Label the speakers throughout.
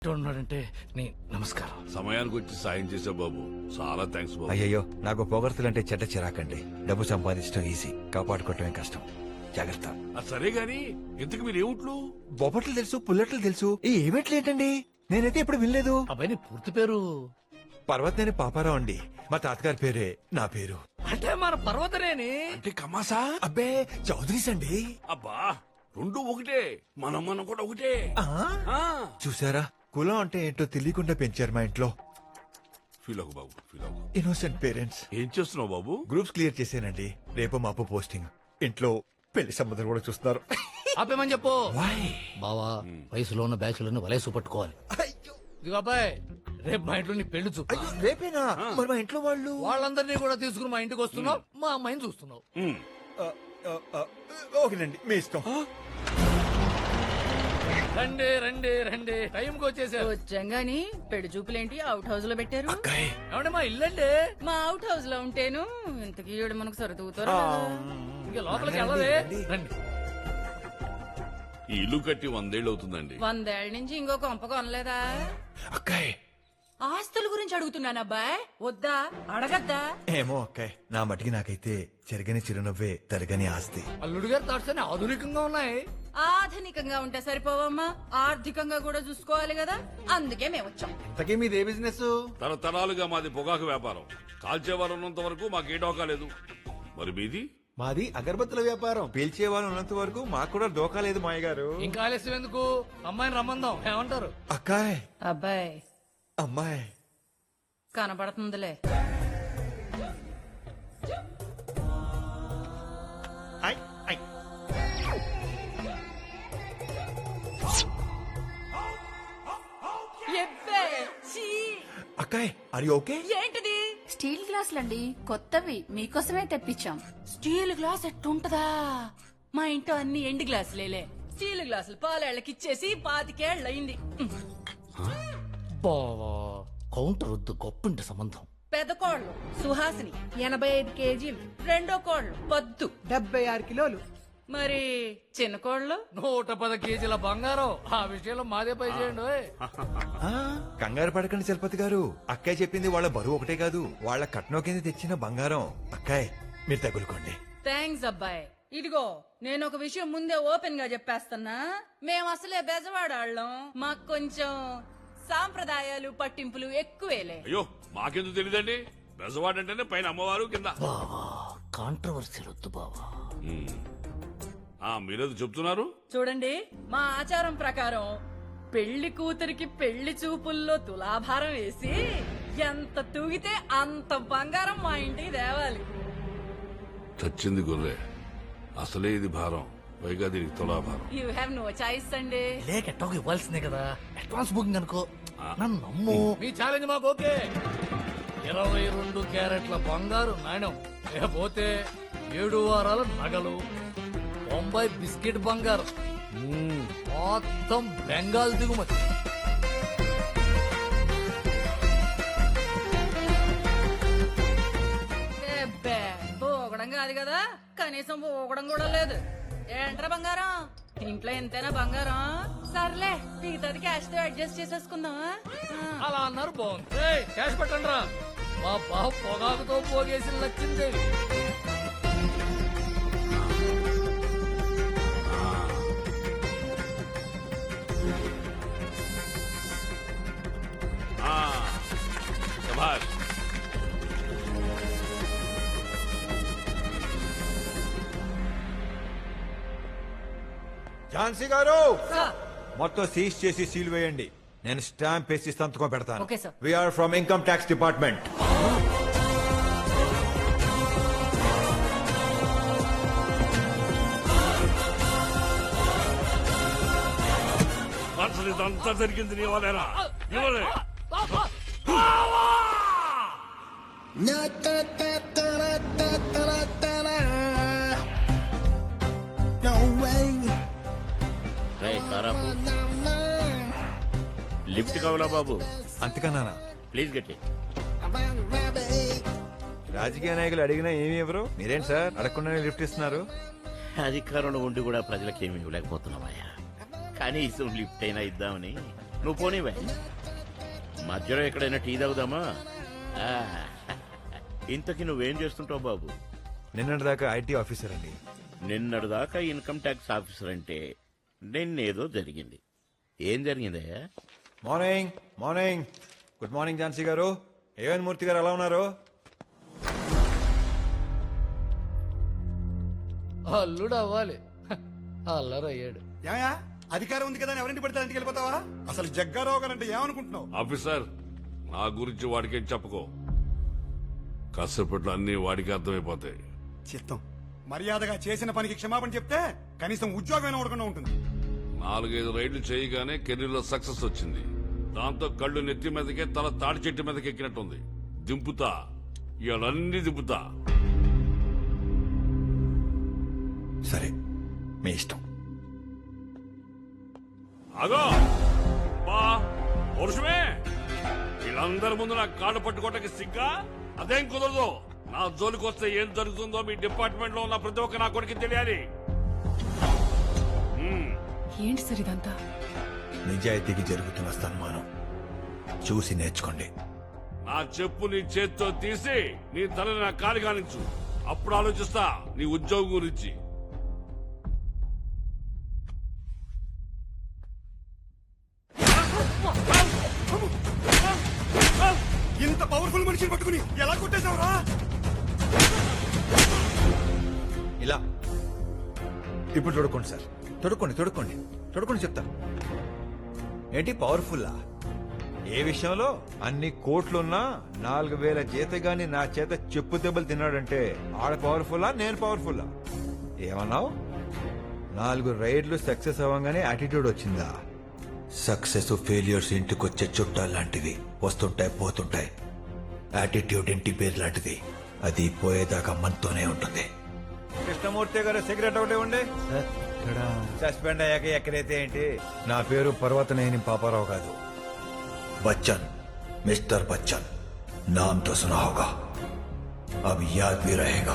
Speaker 1: ఉన్నాడంటే నీ నమస్కారం.
Speaker 2: సమయానికి వచ్చి సాయం చేసా బాబు, చాలా థ్యాంక్స్ బాబు.
Speaker 3: అయ్యయ్యో, నాకు పొగడ్తలంటే చెడ్డ చిరాకండి. డబ్బు సంపాదించడం ఈజీ, కాపాడుకోవటమే కష్టం. జాగ్రత్త.
Speaker 2: సరే గాని ఇంతకు మీరు ఏమిట్లు?
Speaker 3: బొబ్బట్లు తెలుసు, పుల్లట్లు తెలుసు, ఈ ఈవెంట్లు ఏంటండి? నేనైతే ఎప్పుడు వినలేదు.
Speaker 1: అబ్బాయి నీ పూర్తి పేరు?
Speaker 3: పర్వతనేని పాపారావు అండి. మా తాతగారి పేరే నా పేరు.
Speaker 1: అంటే మన పర్వతనేని.
Speaker 2: అంటే కమాసా?
Speaker 3: అబ్బే, చౌదరీస్ అండి.
Speaker 2: అబ్బా, రెండు ఒకటే, మనం కూడా ఒకటే. ఆ,
Speaker 3: చూసారా, కులం అంటే ఏంటో తెలియకుండా పెంచారు మా ఇంట్లో.
Speaker 2: ఫీల్ అవ్వు బాబు, ఫీల్ అవ్వు.
Speaker 3: Innocent parents.
Speaker 2: ఏం చేస్తున్నావు బాబు?
Speaker 3: గ్రూప్స్ క్లియర్ చేశానండి. రేపు మాపు పోస్టింగ్. ఇంట్లో పెళ్లి సంబంధాలు కూడా చూస్తున్నారు.
Speaker 1: ఆపేమని చెప్పు.
Speaker 3: Why?
Speaker 1: బావా, వయసులో ఉన్న బ్యాచులను వలేసు పట్టుకోవాలి.
Speaker 3: అయ్యో,
Speaker 1: ఇదిగో అబ్బాయి, రేపు మా ఇంట్లో నీ పెళ్లి చూపు.
Speaker 3: అయ్యో, రేపేనా? మరి మా ఇంట్లో వాళ్ళు
Speaker 1: వాళ్ళందరినీ కూడా తీసుకుని మా ఇంటికి వస్తున్నావు, మా అమ్మాయిని చూస్తున్నావు.
Speaker 2: ఉమ్.
Speaker 3: ఆ, ఆ, ఆ, ఓకేనండి, మీ ఇష్టం.
Speaker 1: రండి రండి రండి, టైంకి వచ్చేసారు.
Speaker 4: వచ్చంగాని పెళ్లి చూపులేంటి అవుట్ హౌస్ లో పెట్టారు?
Speaker 3: అక్కాయ్,
Speaker 1: ఏమంటే మా ఇల్లండి.
Speaker 4: మా అవుట్ హౌస్ లో ఉంటేను ఇంతకీ ఈవిడ మనకు సరుతూతారు.
Speaker 1: ఇంకా లోపలికి వెళ్ళవే. రండి.
Speaker 2: ఈ ఇల్లు కట్టి 100 ఏళ్ళు అవుతుందండి.
Speaker 4: 100 ఏళ్ల నుంచి ఇంకో కొంప కొనలేదా?
Speaker 3: అక్కాయ్.
Speaker 4: ఆస్తుల గురించి అడుగుతున్నాను అబ్బాయ్, వద్దా అడగద్దా?
Speaker 3: ఏమో అక్కాయ్, నా మటికి నాకైతే చెరగని చిరునవ్వే తరగని ఆస్తి.
Speaker 1: అల్లుడు గారి థాట్స్ అన్ని ఆధునికంగా ఉన్నాయి.
Speaker 4: ఆధునికంగా ఉంటే సరిపోవమ్మా, ఆర్థికంగా కూడా చూసుకోవాలి కదా, అందుకే మేము వచ్చాం.
Speaker 3: ఇంతకీ మీదే బిజినెస్?
Speaker 2: తరతరాలుగా మాది పొగాకు వ్యాపారం. కాల్చేవారు ఉన్నంత వరకు మాకే డోకా లేదు. మరి మీది?
Speaker 3: మాది అగరబత్తుల వ్యాపారం. పీల్చే వాళ్ళు ఉన్నంత వరకు మాకు కూడా దోకా లేదు మాయ గారు.
Speaker 1: ఇంకా ఆలస్యం ఎందుకు, అమ్మాయిని రమ్మందాం. ఏమంటారు?
Speaker 3: అక్కాయ్,
Speaker 4: అబ్బాయ్
Speaker 3: అమ్మాయి
Speaker 4: కనపడుతుందిలే.
Speaker 3: ఐ, ఐ.
Speaker 4: ఎబ్బే, ఛీ!
Speaker 3: అక్కాయ్, ఆర్ యు ఓకే?
Speaker 4: ఏంటిది?
Speaker 5: స్టీల్ గ్లాసులండి, కొత్తవి మీకోసమే తెప్పించాం.
Speaker 4: Steel glass ఎట్టుంటదా? మా ఇంట్లో అన్ని ఎండు గ్లాసులేలే. స్టీల్ గ్లాసులు పాలేళ్ళకి ఇచ్చేసి 25 ఏళ్ళయింది.
Speaker 1: బావా, కౌంటర్ వద్దు, గొప్పింటి సంబంధం.
Speaker 4: పెద్ద కోళ్ళు సుహాసిని 85 కేజీలు, రెండో కోళ్ళు పద్దు
Speaker 6: 76 కిలోలు.
Speaker 4: మరి చిన్న కోళ్ళు
Speaker 1: 110 కేజీల బంగారం. ఆ విషయంలో మాదే పై చేయండి. ఓయ్.
Speaker 3: ఆ, కంగారు పడకండి చలపతి గారు. అక్కాయ్ చెప్పింది వాళ్ళ బరువు ఒకటే కాదు, వాళ్ళ కట్నం కింద తెచ్చిన బంగారం. అక్కాయ్, మీరు తగులుకోండి.
Speaker 4: థ్యాంక్స్ అబ్బాయి. ఇదిగో, నేను ఒక విషయం ముందే ఓపెన్ గా చెప్పేస్తున్నా. మేము అసలే బెజవాడాళ్ళం, మాకు కొంచెం సాంప్రదాయాలు పట్టింపులు ఎక్కువేలే.
Speaker 2: అయ్యో, మాకెందుకు తెలియదండి. బెజవాడంటేనే పైన అమ్మవారు, కింద.
Speaker 1: బావా, కాంట్రవర్సీ వద్దు బావా.
Speaker 2: ఉమ్. మీరేదో చెప్తున్నారు?
Speaker 4: చూడండి, మా ఆచారం ప్రకారం పెళ్లి కూతురికి పెళ్లి చూపుల్లో తులాభారం వేసి ఎంత తూగితే అంత బంగారం మా ఇంటికి తేవాలి.
Speaker 2: చచ్చింది గొర్రె, అసలే ఇది భారం, పైగా దీనికి తులాభారం.
Speaker 4: యూ హ్యావ్ నో చాయిస్ అండి.
Speaker 1: లేక ఎట్టోకి ఇవ్వాల్సిందే కదా. అడ్వాన్స్ బుకింగ్ అనుకో. నన్ను నమ్ము. మీ ఛాలెంజ్ మాకు ఓకే. 22 క్యారెట్ల బంగారు నాణ్యం, లేకపోతే 7 వారాల నగలు, 90 బిస్కెట్ బంగారం, మొత్తం బెంగాల్ దిగుమతి.
Speaker 4: ఎబ్బే, పోగడం కాదు కదా, కనీసం పోగడం కూడా లేదు. ఏంట్రా బంగారం, ఇంట్లో ఎంతైనా బంగారం. సర్లే, మిగతాది క్యాష్ తో అడ్జస్ట్ చేసేసుకుందామా?
Speaker 1: అలా అన్నారు, బాగుంది. ఏయ్, క్యాష్ పెట్టండి రా. మా బావ పొగాకుతో పోగేసి లచ్చిందేవి.
Speaker 2: శభాష్.
Speaker 3: ఝాన్సీ గారు,
Speaker 4: సార్.
Speaker 3: మొత్తం సీజ్ చేసి సీల్ వేయండి. నేను స్టాంప్ వేసి సంతకం పెడతాను.
Speaker 4: Okay sir.
Speaker 3: We are from income tax department.
Speaker 2: అసలు ఇదంతా జరిగింది నీ వల్లేనా? ఇవ్వలే.
Speaker 7: లిఫ్ట్ కావాలా బాబు?
Speaker 3: అంతకన్నా
Speaker 7: ప్లీజ్ గట్టి.
Speaker 3: రాజకీయ నాయకులు అడిగినా ఏమి ఇవ్వరు, మీరేంటి సార్ అడగకుండానే లిఫ్ట్ ఇస్తున్నారు?
Speaker 7: అధికారంలో ఉండి కూడా ప్రజలకు ఏమి ఇవ్వలేకపోతున్నామయ్యా. కనీసం లిఫ్ట్ అయినా ఇద్దామని.
Speaker 6: నువ్వు పోనీవే. మధ్యలో ఎక్కడైనా టీ తాగుదామా? ఆ, ఇంతకీ నువ్వేం చేస్తుంటావు బాబు?
Speaker 3: నిన్నటి దాకా ఐటీ ఆఫీసర్ అండి.
Speaker 6: నిన్నటిదాకా ఇన్కమ్ ట్యాక్స్ ఆఫీసర్ అంటే నిన్నేదో జరిగింది. ఏం జరిగిందయ్యా?
Speaker 3: Morning morning. Good morning Jhansi garu. A one మూర్తి గారు ఎలా ఉన్నారు?
Speaker 1: అల్లుడు అవ్వాలి. అల్లరయ్యాడు.
Speaker 7: ఏమయ్యా అధికారం ఉంది కదా అని ఎవరింటి పడితే ఇంటికి వెళ్ళిపోతావా? అసలు జగ్గారావు గారు అంటే ఏమనుకుంటున్నావు?
Speaker 2: ఆఫీసర్, నా గురించి వాడికేం చెప్పుకో. కాసేపట్లో అన్ని వాడికి అర్థమైపోతాయి.
Speaker 7: చిత్తం మర్యాదగా చేసిన పనికి క్షమాపణ చెప్తే కనీసం ఉద్యోగం ఉండకుండా ఉంటుంది.
Speaker 2: 4-5 రైళ్లు చేయగానే కెరీర్లో సక్సెస్ వచ్చింది. దాంతో కళ్ళు నెత్తి మీదకే తల తాడి చెట్టు మీదకి ఎక్కినట్టుంది. దింపుతా, ఇవన్నీ దింపుతా.
Speaker 3: సరే, మీ ఇష్టం.
Speaker 2: అగో బా పురుషమే, వీళ్ళందరి ముందు నా కాళ్ళు పట్టుకోవటానికి సిగ్గా? అదేం కుదరదు. నా జోలికి వస్తే ఏం జరుగుతుందో మీ డిపార్ట్మెంట్ లో ఉన్న ప్రతి ఒక్క నా కొడుకు తెలియాలి.
Speaker 8: ఏంటి సార్ ఇదంతా?
Speaker 3: నిజాయితీకి జరుగుతున్న సన్మానం చూసి నేర్చుకోండి.
Speaker 2: నా చెప్పు నీ చేత్తో తీసి నీ తలని నా కాలి కానించు. అప్పుడు ఆలోచిస్తా నీ ఉద్యోగం గురించి.
Speaker 7: ఇంత పవర్ఫుల్ మనిషిని పట్టుకుని ఎలా కొట్టేశావురా?
Speaker 3: ఇలా ఇప్పుడు తొడుక్కోండి సార్. తొడుక్కోండి తొడుక్కోండి తొడుక్కోండి చెప్తా. ఏంటి పవర్ఫుల్లా? ఏ విషయంలో? అన్ని కోట్లున్నా 4,000 జీతగాని నా చేత చెప్పు దెబ్బలు తిన్నాడంటే ఆడ పవర్ఫుల్లా, నేను పవర్ఫుల్లా? ఏమన్నావు? 4 రైడ్లు సక్సెస్ అవ్వగానే యాటిట్యూడ్ వచ్చిందా? సక్సెస్ ఫెయిల్యూర్స్ ఇంటికొచ్చే చుట్టాలు లాంటివి, వస్తుంటాయి పోతుంటాయి. యాటిట్యూడ్ ఇంటి పేరు లాంటిది, అది పోయేదాకా మనతోనే ఉంటుంది. కృష్ణమూర్తి గారు సిగరెట్ ఒకటే ఉండే. సస్పెండ్ అయ్యాక ఎక్కడైతే ఏంటి? నా పేరు పర్వతనేని పాపారావు కాదు, बच्चन, मिस्टर बच्चन. नाम तो सुना होगा, अब याद भी रहेगा.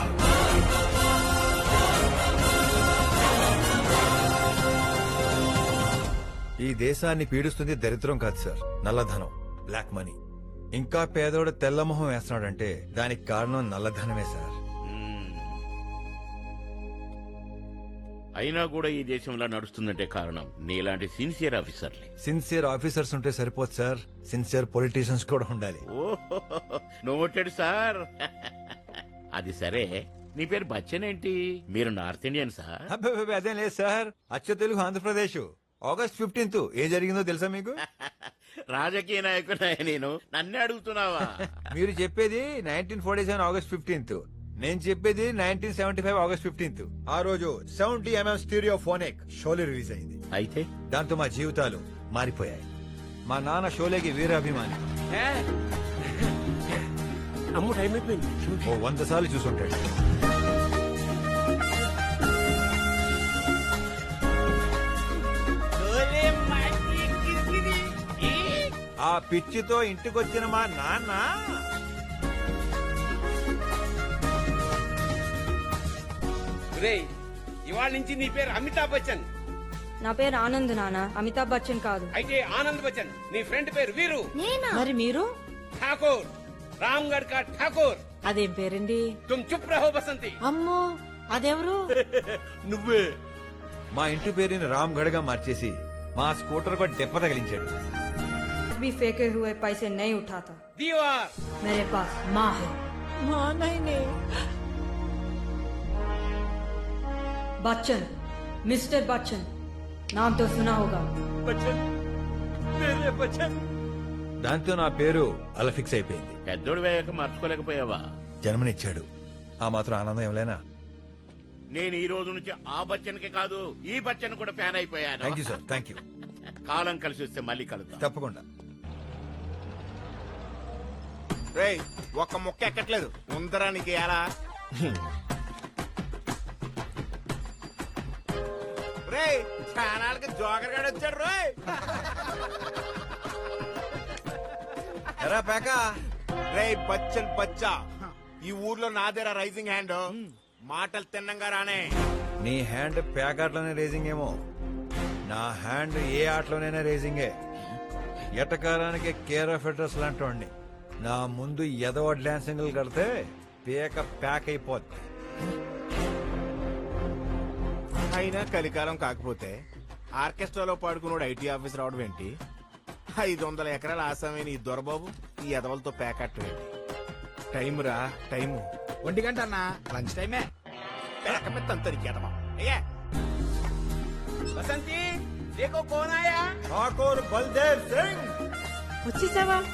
Speaker 3: ఈ దేశాన్ని పీడిస్తుంది దరిద్రం కాదు సార్, నల్లధనం, బ్లాక్ మనీ. ఇంకా పేదోడు తెల్లమొహం వేస్తున్నాడంటే దానికి కారణం నల్లధనమే సార్.
Speaker 6: అయినా కూడా ఈ దేశంలో నడుస్తుందంటే కారణం నీలాంటి సిన్సియర్ ఆఫీసర్లే.
Speaker 3: సిన్సియర్ ఆఫీసర్స్ ఉంటే సరిపోదు సార్, సిన్సియర్ పొలిటీషియన్స్ కూడా ఉండాలి.
Speaker 6: ఓహో, నోటెడ్ సార్. అది సరే, నీ పేరు బచ్చన్ ఏంటి? మీరు నార్త్ ఇండియన్ సార్?
Speaker 3: అబ్బే అదేం లేదు సార్, అచ్చ తెలుగు ఆంధ్రప్రదేశ్. ఆగస్ట్ 15 ఏం జరిగిందో తెలుసా మీకు?
Speaker 6: రాజకీయ నాయకుడా నేను? నన్నే అడుగుతున్నావా?
Speaker 3: మీరు చెప్పేది 1947 ఆగస్ట్ 15. నేను చెప్పేది 1975 ఆగస్ట్ 15. ఆ రోజు 70mm stereo phonic Sholay release అయింది.
Speaker 6: అయితే
Speaker 3: దాంతో మా జీవితాలు మారిపోయాయి. మా నాన్న షోలేకి వీరాభిమాని.
Speaker 6: అమ్ము టైం అయిపోయింది.
Speaker 3: ఓ 100 సార్లు చూసుంటాడు. ఆ పిచ్చితో ఇంటికొచ్చిన మా నాన్న
Speaker 9: ఇవాళ నుంచి నీ పేరు అమితాబ్ బచ్చన్.
Speaker 10: నా పేరు ఆనంద్ నాన్న, అమితాబ్ బచ్చన్ కాదు.
Speaker 9: అయితే ఆనంద్ బచ్చన్. నీ ఫ్రెండ్ పేరు వీరు.
Speaker 4: మరి మీరు?
Speaker 9: ఠాకూర్, రామ్గఢ్ కా ఠాకూర్.
Speaker 4: అదేం పేరండి?
Speaker 9: తుమ్ చుప్ రహో బసంతి.
Speaker 4: అమ్మో, అదెవరు?
Speaker 6: నువ్వే.
Speaker 3: మా ఇంటి పేరుని రామ్ గఢ్ గా మార్చేసి మా స్కూటర్ को దెబ్బ తగిలించాడు.
Speaker 10: भी फेंके हुए पैसे नहीं उठाता.
Speaker 9: दीवार
Speaker 10: मेरे पास माँ है.
Speaker 4: మా నాయనే.
Speaker 10: बच्चन, मिस्टर बच्चन, नाम तो सुना होगा.
Speaker 6: బచ్చన్, మేరే బచ్చన్.
Speaker 3: దాంతో నా పేరు అలా ఫిక్స్ అయిపోయింది.
Speaker 6: పెద్దోడు వేయక మార్చుకోలేకపోయావా?
Speaker 3: జన్మనిచ్చాడు, ఆ మాత్రం ఆనందం ఏమలేనా?
Speaker 6: నేను ఈ రోజు నుంచి ఆ బచ్చన్ కి కాదు, ఈ బచ్చన్ కూడా ఫ్యాన్ అయిపోయాను.
Speaker 3: Thank you sir, thank you.
Speaker 6: కాలం కలిసి వస్తే మళ్ళీ కలుద్దాం.
Speaker 3: తప్పకుండా.
Speaker 11: రేయ్, ఒక్క ముక్క ఎక్కట్లేదు ఉందరానికి ఎలా? రేయ్, ఛానల్కి జోకర్ గాడు వచ్చాడు. రోయ్
Speaker 3: ఎరా పేకా.
Speaker 11: రేయ్ బచ్చన్ బచ్చా, ఈ ఊర్లో నాదేరా రైజింగ్ హ్యాండ్. మాటలు తిన్నంగా రానే.
Speaker 3: నీ హ్యాండ్ ప్యాక్ ఆటలోనే రేసింగ్ ఏమో, నా హ్యాండ్ ఏ ఆటలోనైనా రేసింగే. ఎటకారానికి కేర్ ఆఫ్ అడ్రస్ లాంటి వాడిని. నా ముందు ఎదవ డాన్సింగ్లు కడితే పేక ప్యాక్ అయిపోద్ది.
Speaker 11: అయినా కలికాలం కాకపోతే ఆర్కెస్ట్రాలో పాడుకున్నాడు ఐటీ ఆఫీసర్ అవడం ఏంటి? 500 ఎకరాల ఆసామైన ఈ దొరబాబు ఈ ఎదవలతో ప్యాకెట్ ఏంటి? టైం రా టైము.
Speaker 9: 1 గంట అన్న లంచ్ టైమే.
Speaker 11: పేకమెత్తంతరికి ఎదవా. అయ్యా
Speaker 9: బసంతి దేకో కోన్ ఆయా.
Speaker 3: ఠాకూర్ బల్దేవ్ సింగ్
Speaker 10: వచ్చేసావా?